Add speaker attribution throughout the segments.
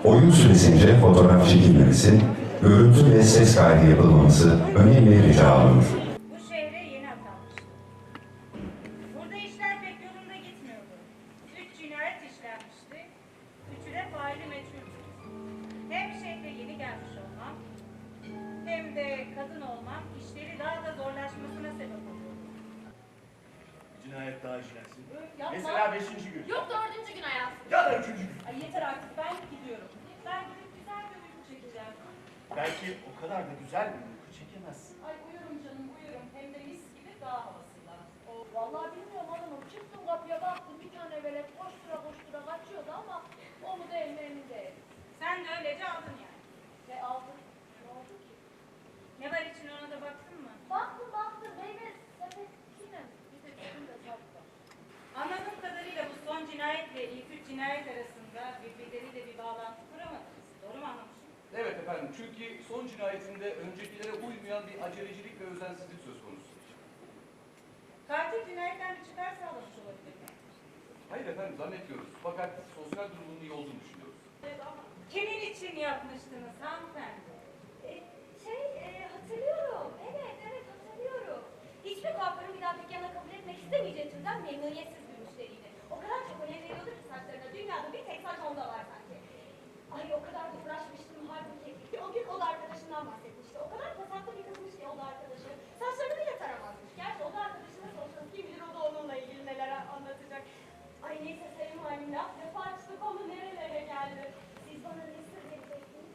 Speaker 1: Oyun süresince fotoğraf çekilmemesi, görüntü ve ses kaydı yapılmaması önemli rica olunur.
Speaker 2: Bu şehre yeni atanmıştım. Burada işler pek yolunda gitmiyordu. 3 cinayet işlenmişti. 3'ü de faili meçhuldü. Hem şehre yeni gelmiş olmam, hem de kadın olmam işleri daha da zorlaşmasına sebep oluyordu.
Speaker 3: Cinayet daha işlensin.
Speaker 4: Yapma.
Speaker 3: Mesela 5. gün.
Speaker 4: Yok 4. gün hayatım.
Speaker 3: Ya da 3. gün.
Speaker 4: Ay yeter artık ben gidiyorum.
Speaker 2: Ben gidip güzel bir uyku çekeceğim.
Speaker 3: Belki o kadar da güzel bir uyku çekemezsin.
Speaker 4: Ay uyurum canım uyurum. Hem de mis gibi dağ havasında. O, vallahi bilmiyorum hanımım. Çıktım kapıya baktım bir tane velet koştura koştura kaçıyordu ama o mu değil mi emin değilim.
Speaker 2: Sen de öylece aldın yani.
Speaker 4: Ne aldın? Ne oldu ki?
Speaker 2: Ne var için ona da baktın mı?
Speaker 4: Baktım meyve sepetine. Bir de bizim de sattı.
Speaker 2: Anladığım kadarıyla bu son cinayetle ilk 3 cinayet arasında birbirleriyle bir bağlantı kuramadınız. Doğru mu anlamışım?
Speaker 5: Evet efendim, çünkü son cinayetinde öncekilere uymayan bir acelecilik ve özensizlik söz konusu.
Speaker 2: Katil cinayetten bir çıkar sağlamış olabilir mi?
Speaker 5: Hayır efendim, zannetmiyoruz. Fakat sosyal durumunun iyi olduğunu düşünüyoruz.
Speaker 2: Kimin için yapmıştınız hanımefendi?
Speaker 6: Hatırlıyorum. Evet hatırlıyorum. Hiçbir kuaförün bir daha dükkana kabul etmek istemeyeceği türden memnuniyetsiz bir müşteriydi. O kadar çok önem veriyordu ki saçlarına. Dünyada bir tek saç onda var sanki. Ay o kadar da uğraşmıştım halbuki. O gün o da arkadaşından bahsetmişti. O kadar pasaklı bir kızmış ki o da arkadaşı. Saçlarını bile taramazmış. Gerçi o da arkadaşına sorsanız kim bilir o da onunla ilgili neler anlatacak. Ay neyse sayın halim laf lafa açtık onu nerelere geldi. Siz bana ne sır vereceksiniz?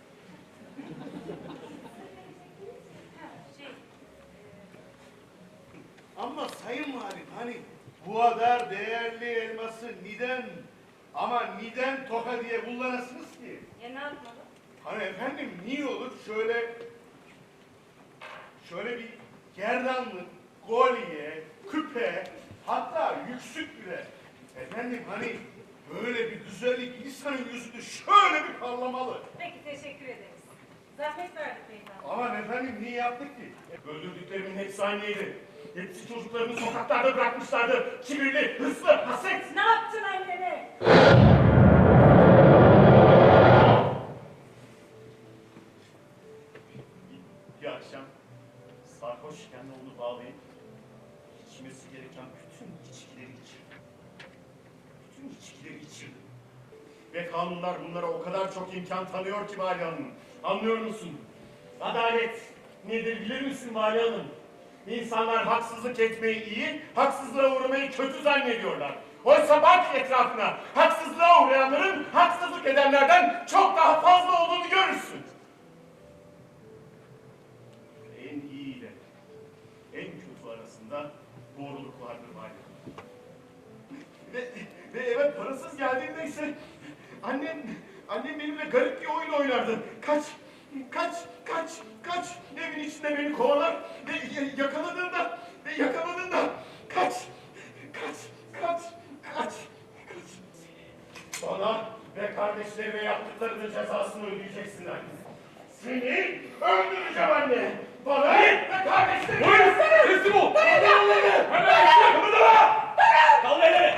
Speaker 3: Ama sayın valim hani bu kadar değerli elması neden toka diye kullanasınız ki?
Speaker 2: Ya ne yapmalı?
Speaker 3: Hani efendim niye olur şöyle bir gerdanlık, kolye, küpe, hatta yüksük bile. Efendim hani böyle bir güzellik insanın yüzünü şöyle bir parlamalı.
Speaker 2: Peki teşekkür ederiz. Zahmet verdik beyefendi.
Speaker 3: Aman efendim niye yaptık ki? Öldürdüklerimin hepsi aynıydı. Hepsi çocuklarını sokaklarda bırakmışlardı. Kibirli, hırslı, haset.
Speaker 2: Ne yaptın annene?
Speaker 3: Bir akşam sarhoşken onu bağlayıp içmesi gereken bütün içkileri içirdim. Ve kanunlar bunlara o kadar çok imkan tanıyor ki Vali Hanım. Anlıyor musun? Adalet nedir bilir misin Vali Hanım? İnsanlar haksızlık etmeyi iyi, haksızlığa uğramayı kötü zannediyorlar. Oysa bak etrafına, haksızlığa uğrayanların haksızlık edenlerden çok daha fazla olduğunu görürsün. En iyi ile en kötü arasında doğruluk vardır Vali Hanım. Ve eve parasız geldiğimde ise annem benimle garip bir oyun oynardı. Kaç. Evin içinde beni kovalar ve yakaladığında kaç. Bana ve kardeşlerime yaptıklarının cezasını ödeyeceksin anne. Seni öldüreceğim anne. Bana ve kardeşlerime.
Speaker 5: Teslim ol! Hemen! Kımıldama! Kaldır elleri!